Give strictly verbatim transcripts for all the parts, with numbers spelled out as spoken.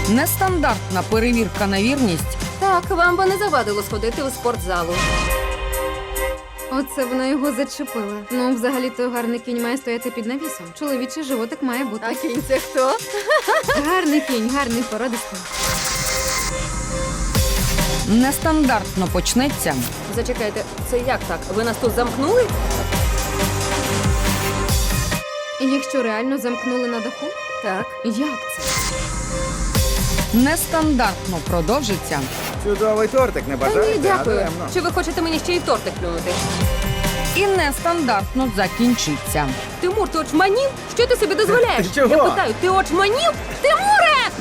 Нестандартна перевірка на вірність. Так, вам би не завадило сходити у спортзалу. Оце вона його зачепила. Ну, взагалі-то гарний кінь має стояти під навісом. Чоловічий животик має бути. А кінь це хто? Гарний кінь, гарний породистий. Нестандартно почнеться. Зачекайте, це як так? Ви нас тут замкнули? І якщо реально замкнули на даху? Так. Як це? Нестандартно продовжиться. Чудовий тортик, не Та бажаєте? ні, дякую. Даремно. Чи ви хочете мені ще й тортик плюнути? І нестандартно закінчиться. Тимур, ти очманів? Що ти собі дозволяєш? Чого? Я питаю, ти очманів? Тимуре!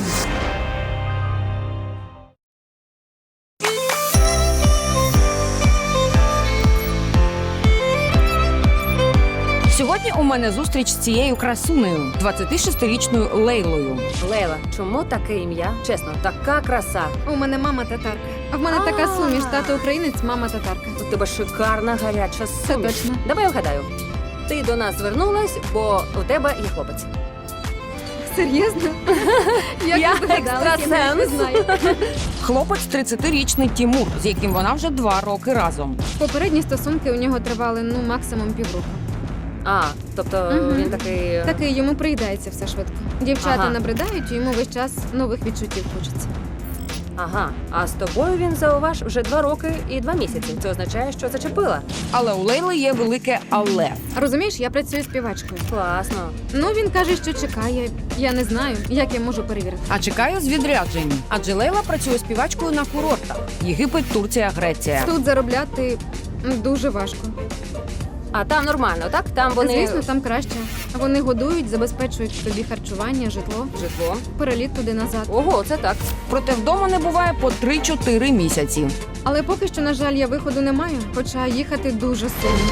Сьогодні у мене зустріч з цією красунею, двадцятишестирічною Лейлою. Лейла, чому таке ім'я? Чесно, така краса. У мене мама татарка. А в мене А. така суміш. Тато українець, мама татарка. У тебе шикарна гаряча Це суміш. точно. Давай я вгадаю. Ти до нас звернулась, бо у тебе є хлопець. Серйозно? Як Я ви здогадалась? Я навіть не екстрасенс. знаю. Хлопець тридцятирічний Тімур, з яким вона вже два роки разом. Попередні стосунки у нього тривали, ну, максимум півроку. А, тобто Мгм. він такий... Такий, йому приїдається все швидко. Дівчата Ага. набридають, і йому весь час нових відчуттів хочеться. Ага, а з тобою він, зауваж, вже два роки і два місяці. Це означає, що зачепила. Але у Лейли є велике але. Розумієш, я працюю співачкою. Класно. Ну, він каже, що чекає. Я не знаю, як я можу перевірити. А чекаю з відряджень. Адже Лейла працює співачкою на курортах. Єгипет, Турція, Греція. Тут заробляти м, дуже важко. А там нормально, так? Там вони... Звісно, там краще. Вони годують, забезпечують тобі харчування, житло, Житло. переліт туди-назад. Ого, це так. Проте вдома не буває по три-чотири місяці. Але поки що, на жаль, я виходу не маю, хоча їхати дуже сильно.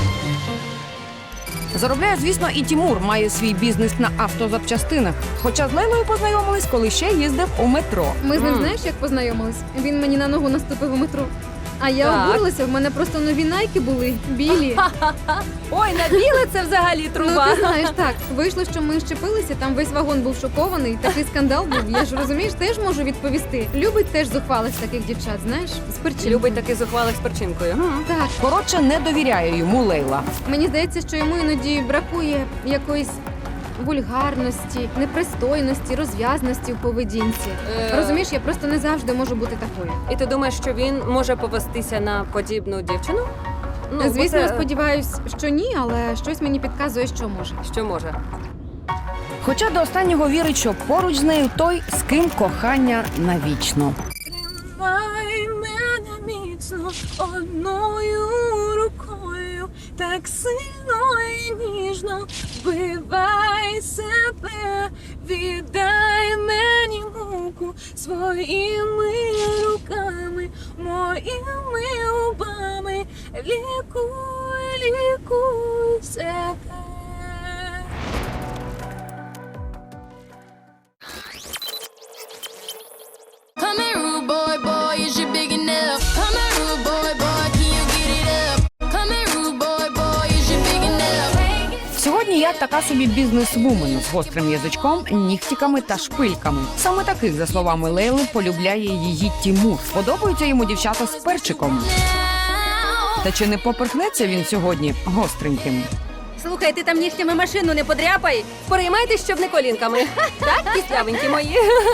Заробляє, звісно, і Тімур має свій бізнес на автозапчастинах. Хоча з Лейлою познайомились, коли ще їздив у метро. Ми з ним, Мгм. знаєш, як познайомились? Він мені на ногу наступив у метро. А я Так. обурилася, в мене просто нові найки були, білі. Ой, на біле це взагалі Ну, труба. ти знаєш, так. Вийшло, що ми щепилися, там весь вагон був шокований, такий скандал був. Я ж, розумієш, теж можу відповісти. Любить теж зухвалих таких дівчат, знаєш, з перчинкою. Любить таких зухвалих з перчинкою. М. Так, Коротше, не довіряє йому Лейла. мені здається, що йому іноді бракує якоїсь вульгарності, непристойності, розв'язності в поведінці. Е. Розумієш, я просто не завжди можу бути такою. І ти думаєш, що він може повестися на подібну дівчину? Ну, бо Звісно, це- сподіваюсь, що ні, але щось мені підказує, що може. Що може? Хоча до останнього вірить, що поруч з нею той, з ким кохання навічно. Тримай мене міцно одною рукою, так сильно і ніжно вбивай себе, віддай мені муку своїми руками, моїми губами, лікуй, лікуй себе. Come here, rude boy, boy, is you big enough? Come here, rude boy, boy, can you get it up? Come here, rude boy, boy, is you big enough? Сьогодні я така собі бізнес-вумен з гострим язичком, нігтіками та шпильками. Саме таких, за словами Лейли, полюбляє її Тімур. Подобаються йому дівчата з перчиком. Та чи не поперхнеться він сьогодні гостреньким? Слухай, ти там нігтями машину не подряпай. Переймайтесь, щоб не колінками. Так, кислявенькі мої.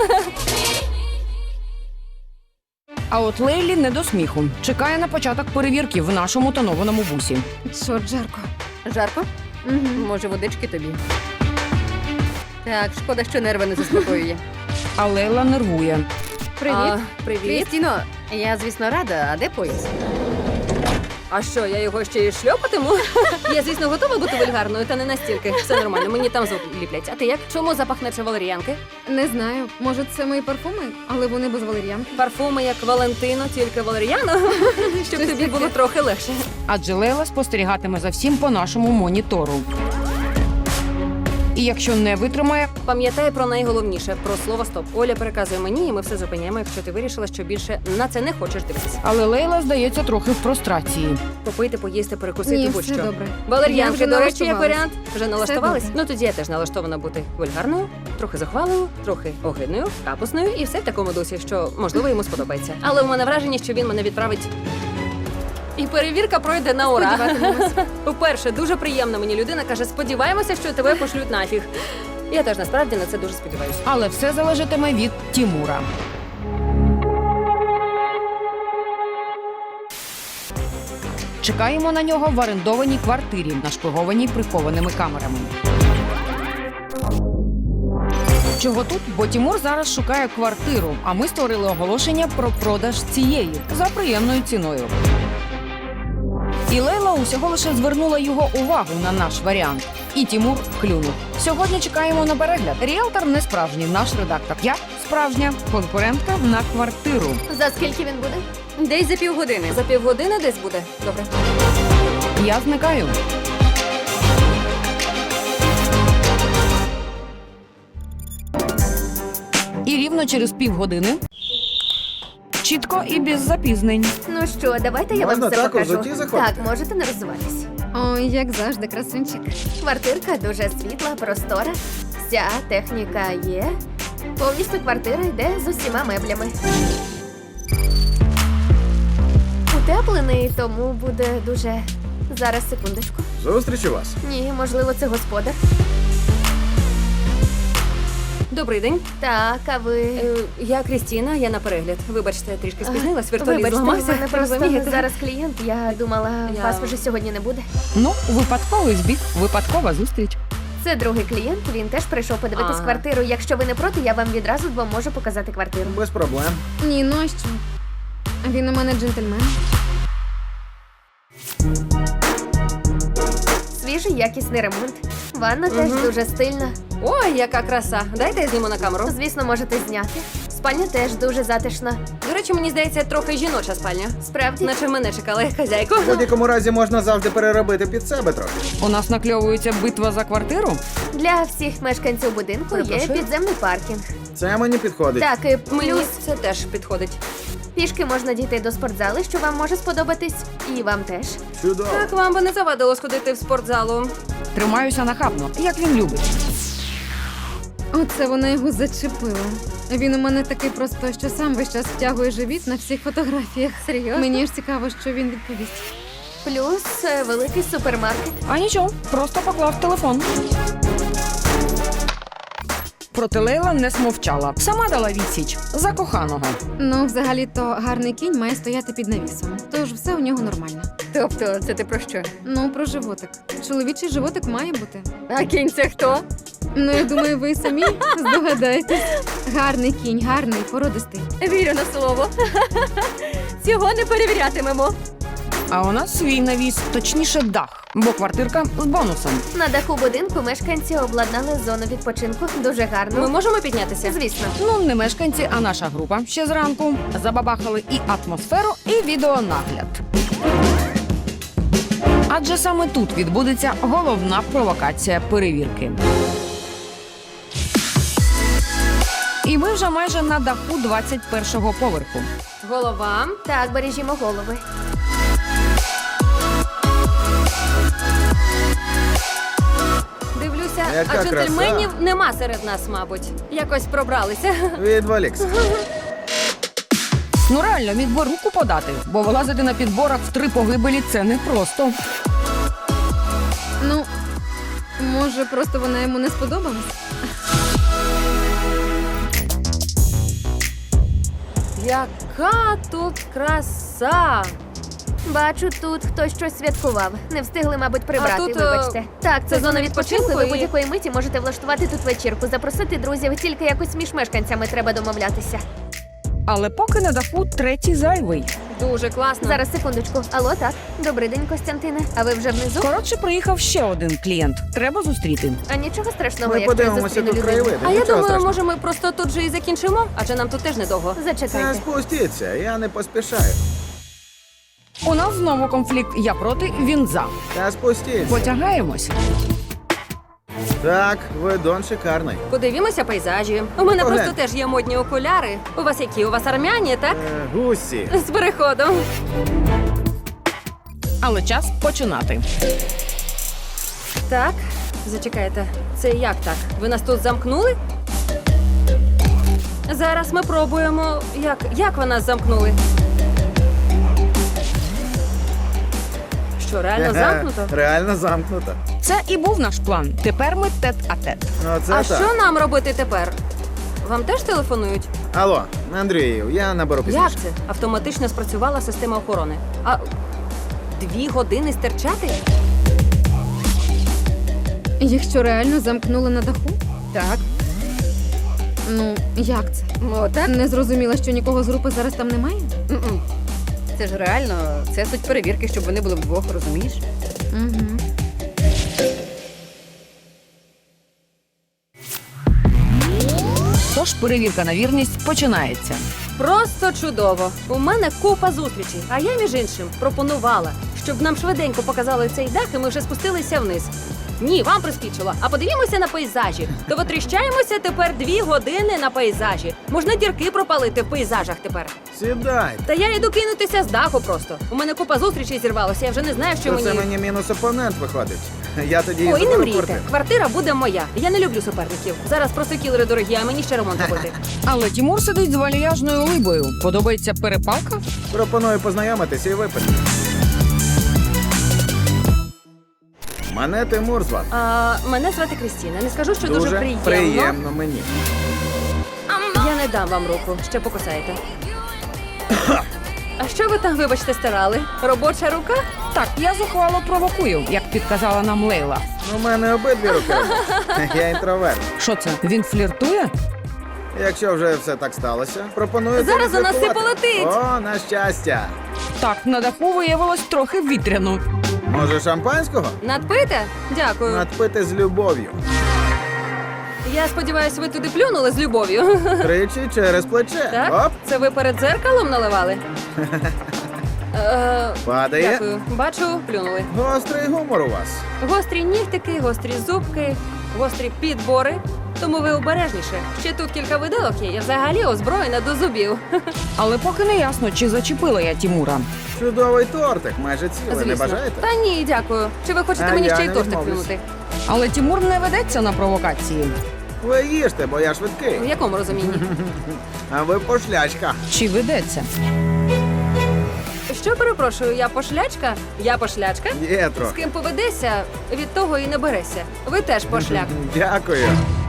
А от Лейлі не до сміху. Чекає на початок перевірки в нашому тонованому бусі. Чорт, жарко. Жарко? Угу. Може, водички тобі? Так, шкода, що нерви не заспокоює. А Лейла нервує. Привіт. А, привіт. Крістіно, я, звісно, рада. А де пояс? А що, я його ще й шльопатиму? Я, звісно, готова бути вульгарною, та не настільки. Все нормально, мені там звук ліплять. А ти як? Чому запах наче валеріанки? Не знаю, може це мої парфуми, але вони без валер'янки. Парфуми як Валентино, тільки валеріано, щоб Щось тобі таке. було трохи легше. Адже Лейла спостерігатиме за всім по нашому монітору. І якщо не витримає, Пам'ятай про найголовніше про слово стоп. Оля переказує мені, і ми все зупиняємо, якщо ти вирішила, що більше на це не хочеш дивитися. але Лейла здається трохи в прострації. Попити, поїсти, перекусити, Ні, будь-що. все добре. Я Валер'янки, вже до речі, як налаштувалась. варіант. Вже налаштувались? добре. Ну тоді я теж налаштована бути вульгарною, трохи захвалою, трохи огидною, капусною і все в такому дусі, що можливо йому сподобається. Але у мене враження, що він мене відправить. І перевірка пройде на ура. Сподіватимемось. По-перше, дуже приємно мені людина каже, сподіваємося, що тебе пошлють нафіг. Я теж насправді на це дуже сподіваюся. Але все залежатиме від Тімура. Чекаємо на нього в орендованій квартирі, нашпигованій прихованими камерами. Чого тут? Бо Тімур зараз шукає квартиру, а ми створили оголошення про продаж цієї за приємною ціною. І Лейла усього лише звернула його увагу на наш варіант. І Тімур клюнув. Сьогодні чекаємо на перегляд. Ріелтор не справжній, наш редактор. Я справжня конкурентка на квартиру. За скільки він буде? Десь за півгодини. За півгодини десь буде. Добре. Я зникаю. І рівно через півгодини. Чітко і без запізнень. Ну що, давайте я Можна вам все так у покажу. взутті заходити? Так, можете не розвиватись. Ой, як завжди, красунчик. Квартирка дуже світла, простора. Вся техніка є. Повністю квартира йде з усіма меблями. Утеплений, тому буде дуже. Зараз, секундочку. Зустріч у вас. Ні, можливо, це господар. Добрий день. Так, а ви. Е, я Крістіна, я на перегляд. Вибачте, трішки спізнилась, вертоліт Вибачте, у зламався. мене просто розумієте? зараз клієнт. Я думала, Я- вас вже сьогодні не буде. Ну, випадковий збіг, випадкова зустріч. Це другий клієнт. Він теж прийшов подивитись Ага. квартиру. Якщо ви не проти, я вам відразу вам можу показати квартиру. Без проблем. Ні, ну а що? Він у мене джентльмен. Свіжий якісний ремонт. Ванна теж Мгм. дуже стильна. Ой, яка краса. Дайте я зніму на камеру. Звісно, можете зняти. Спальня теж дуже затишна. До речі, мені здається, трохи жіноча спальня. Справді, Наче мене чекали хазяйку. В будь-якому разі можна завжди переробити під себе трохи. У нас накльовується битва за квартиру. для всіх мешканців будинку є Перепрошую? підземний паркінг. Це мені підходить. Так, і Мені плюс це теж підходить. пішки можна дійти до спортзали, що вам може сподобатись, і вам теж. Чудово. Так вам би не завадило сходити в спортзалу. Тримаюся нахабно, як він любить. Оце вона його зачепила. Він у мене такий просто, що сам весь час втягує живіт на всіх фотографіях. Серйозно? Мені ж цікаво, що він відповість. Плюс е, великий супермаркет. А нічого, просто поклав телефон. Проте Лейла не смовчала. Сама дала відсіч за коханого. Ну, взагалі-то гарний кінь має стояти під навісом. Тож все у нього нормально. Тобто, це ти про що? Ну, про животик. Чоловічий животик має бути. А кінь це хто? Ну, я думаю, ви самі здогадаєтесь. Гарний кінь, гарний, породистий. Вірю на слово. Цього не перевірятимемо. А у нас свій навіс, точніше дах, бо квартирка з бонусом. На даху будинку мешканці обладнали зону відпочинку. Дуже гарно. Ми можемо піднятися? Звісно. Ну, не мешканці, а наша група ще зранку забабахали і атмосферу, і відеонагляд. Адже саме тут відбудеться головна провокація перевірки. І ми вже майже на даху двадцять першого поверху. Голова. Так, бережімо голови. Дивлюся, Яка а джентльменів краса. нема серед нас, мабуть. Якось пробралися. Відволікся. Ну реально, міг би руку подати, бо вилазити на підборах в три погибелі – це непросто. Ну, може, просто вона йому не сподобалась? Яка тут краса! Бачу, тут хтось щось святкував. Не встигли, мабуть, прибрати. А тут, е, вибачте. Так, це це зона зона відпочинку. відпочинку Ви і- будь-якої миті можете влаштувати тут вечірку, запросити друзів. Тільки якось між мешканцями треба домовлятися. Але поки на даху третій зайвий. Дуже класно. Зараз секундочку. Алло, так. Добрий день, Костянтине. А ви вже внизу? Коротше, приїхав ще один клієнт. Треба зустріти. А нічого страшного, Ми якщо я подивимося зустріну тут людину. краєвиди. А я Нічого думаю, страшного. може ми просто тут же і закінчимо, адже нам тут теж недовго. Та Зачекайте. спустіться, я не поспішаю. У нас знову конфлікт. Я проти, він за. Та спустіться. Потягаємось. Так, видон шикарний. Подивімося пейзажі. У мене Поглянь. просто теж є модні окуляри. У вас які? У вас армяні, так? Е, гусі. З переходом. Але час починати. Так, зачекайте. Це як так? Ви нас тут замкнули? Зараз ми пробуємо. Як, як ви нас замкнули? Що, реально замкнуто? Реально замкнуто. Це і був наш план. Тепер ми тет-а-тет. Ну, це А так. що нам робити тепер? Вам теж телефонують? Алло, Андрію, я наберу пізніше. Як це? Автоматично спрацювала система охорони. А дві години стерчати? Їх що, реально замкнули на даху? Так. Ну, як це? О, так? Не зрозуміла, що нікого з групи зараз там немає? М-м. Це ж реально, це суть перевірки, щоб вони були вдвох, розумієш? Угу. Тож перевірка на вірність починається. Просто чудово. У мене купа зустрічей. А я, між іншим, пропонувала, щоб нам швиденько показали цей дах, і ми вже спустилися вниз. Ні, вам приспічило. А подивімося на пейзажі. То витріщаємося тепер дві години на пейзажі. Можна дірки пропалити в пейзажах тепер. Сідай. Та я йду кинутися з даху просто. У мене купа зустрічей зірвалося, я вже не знаю, що То мені. це мені мінус опонент виходить. Я тоді Ой, не заберу мрійте. квартиру. Квартира буде моя. Я не люблю суперників. Зараз просто кілери дорогі, а мені ще ремонт робити. Але Тімур сидить з вальяжною либою. Подобається перепалка? Пропоную познайомитися і випити. Мене Тимур звати. А, мене звати Крістіна. Не скажу, що дуже, приємно. приємно мені. Я не дам вам руку, ще покусаєте. А що ви там, вибачте, стирали? Робоча рука? Так, я зухвало провокую, як підказала нам Лейла. У мене обидві руки робочі. Я інтроверт. Що це? Він фліртує? Якщо вже все так сталося, пропоную Зараз у нас поризикувати. все полетить. О, на щастя. Так, на даху виявилось трохи вітряно. Може, шампанського? Надпите? Дякую. Надпити з любов'ю. Я сподіваюся, ви туди плюнули з любов'ю. Тричі через плече. Так? Оп, Це ви перед дзеркалом наливали? Е, падає. Дякую. Бачу, плюнули. Гострий гумор у вас. Гострі нігтики, гострі зубки, гострі підбори. Тому ви обережніше. Ще тут кілька виделок є, я взагалі озброєна до зубів. Але поки не ясно, чи зачепила я Тімура. Чудовий тортик, майже цілий. Не бажаєте? Та ні, дякую. Чи ви хочете А мені я ще й не тортик відмовлюсь. плюнути? Але Тімур не ведеться на провокації. Ви їжте, бо я швидкий. В якому розумінні? А ви пошлячка. Чи ведеться? Що перепрошую, я пошлячка? Я пошлячка? Є З трохи. ким поведеся, від того і не береся. Ви теж пошляк. Дякую.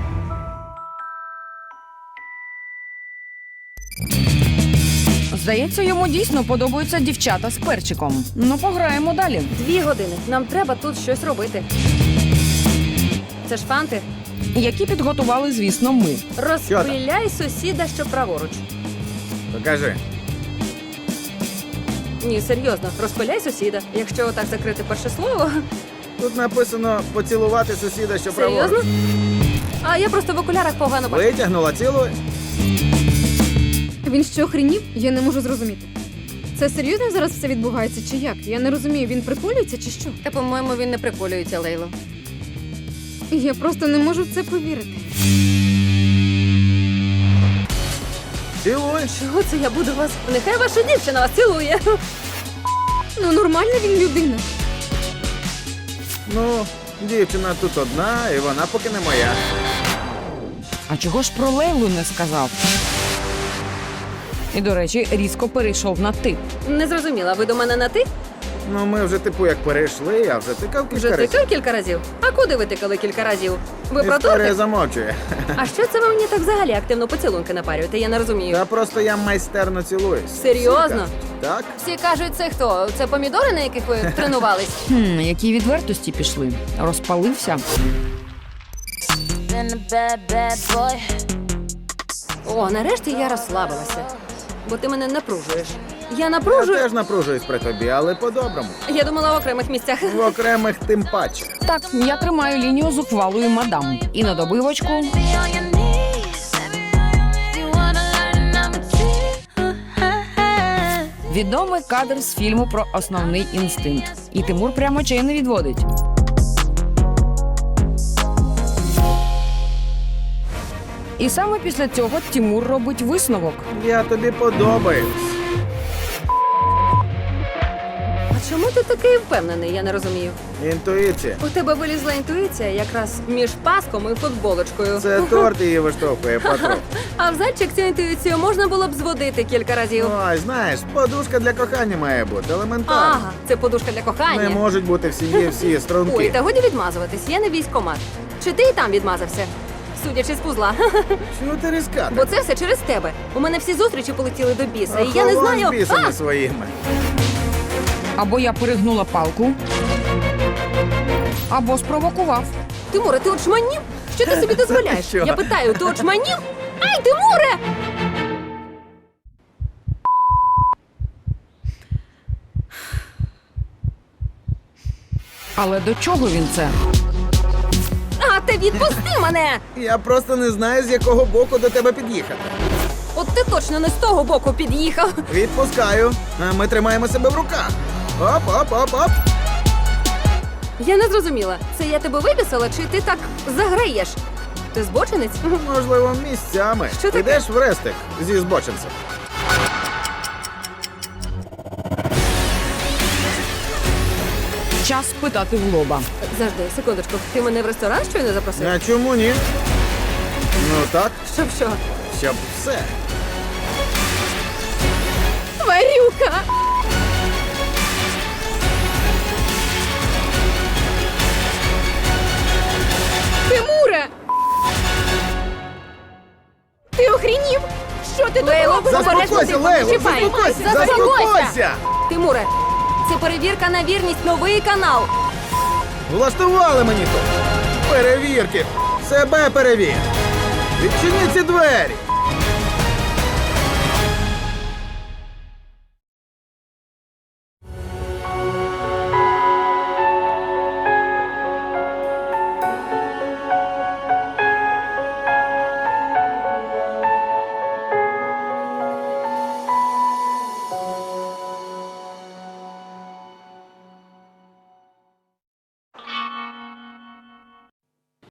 Здається, йому дійсно подобаються дівчата з перчиком. Ну, пограємо далі. Дві години. Нам треба тут щось робити. Це ж фанти. Які підготували, звісно, ми. Розпиляй сусіда, що праворуч. Покажи. Ні, серйозно, розпиляй сусіда. Якщо отак закрити перше слово. Тут написано поцілувати сусіда, що Серйозно? праворуч. А я просто в окулярах погано бачу. Витягнула цілу. Він що, охренів? Я не можу зрозуміти. Це серйозно зараз все відбувається чи як? Я не розумію, він приколюється чи що? Та, по-моєму, він не приколюється, Лейло. Я просто не можу в це повірити. Цілуй. Чого це я буду вас? Нехай ваша дівчина вас цілує. Ну, нормальна він людина. Ну, дівчина тут одна, і вона поки не моя. А чого ж про Лейлу не сказав? І, до речі, різко перейшов на ти. Не зрозуміла, ви до мене на ти? Ну, ми вже типу як перейшли, я вже тикав кілька Вже разів. тикав кілька разів? А куди ви тикали кілька разів? Ви про Історія тортик? замовчує. А що це ви мені так взагалі активно поцілунки напарюєте? Я не розумію. Та просто я майстерно цілуюсь. Серйозно? Всі кажуть. Так? Всі кажуть, це хто? Це помідори, на яких ви тренувались? Хм, які відвертості пішли. Розпалився. Been a bad, bad boy. О, нарешті я розслабилася. Бо ти мене напружуєш. Я Я напружую. теж напружуюсь при тобі, але по-доброму. Я думала в окремих місцях. В окремих тим паче. Так, я тримаю лінію зухвалої мадам. І на добивочку Be on your knees. You wanna learn number two. відомий кадр з фільму про основний інстинкт. І Тимур прямо очей не відводить. І саме після цього Тімур робить висновок. Я тобі подобаюсь. А чому ти такий впевнений, я не розумію. Інтуїція. У тебе вилізла інтуїція якраз між паском і футболочкою. Це торт її виштовхує потроху. А в зайчик цю інтуїцію можна було б зводити кілька разів. Ой, знаєш, подушка для кохання має бути, елементарно. Ага, це подушка для кохання. Не можуть бути в сім'ї всі Ой, струнки. та годі відмазуватись, я не військомат. Чи ти і там відмазався? Судячи з пузла. Чого ти різка? Бо це все через тебе. У мене всі зустрічі полетіли до біса, і я не Охолонь знаю. з бісами А! своїми. Або я перегнула палку, або спровокував. Тимуре, ти очманів? Що ти собі дозволяєш? Що? Я питаю, ти очманів? Ай, Тимуре! Але до чого він це? А, ти відпусти мене! Я просто не знаю, з якого боку до тебе під'їхати. От ти точно не з того боку під'їхав. Відпускаю. А ми тримаємо себе в руках. Оп, оп, оп, оп. Я не зрозуміла, це я тебе виписала, чи ти так заграєш? Ти збочинець? Можливо, місцями. Що таке? Ідеш в рестик зі збочинцем. Час питати в лоба. Завжди, секундочку, ти мене в ресторан щойно запросив? А чому ні? Ну так, Щоб що? щоб все. Тварюка! Тимуре! Ти охрінів? Що ти тут Лейло, робиш? Заспокойся, Лейло, чіпай. заспокойся, Заспокойся. заспокойся! Тимуре, це перевірка на вірність, новий канал. Влаштували мені тут. Перевірки. Себе перевір. Відчини ці двері.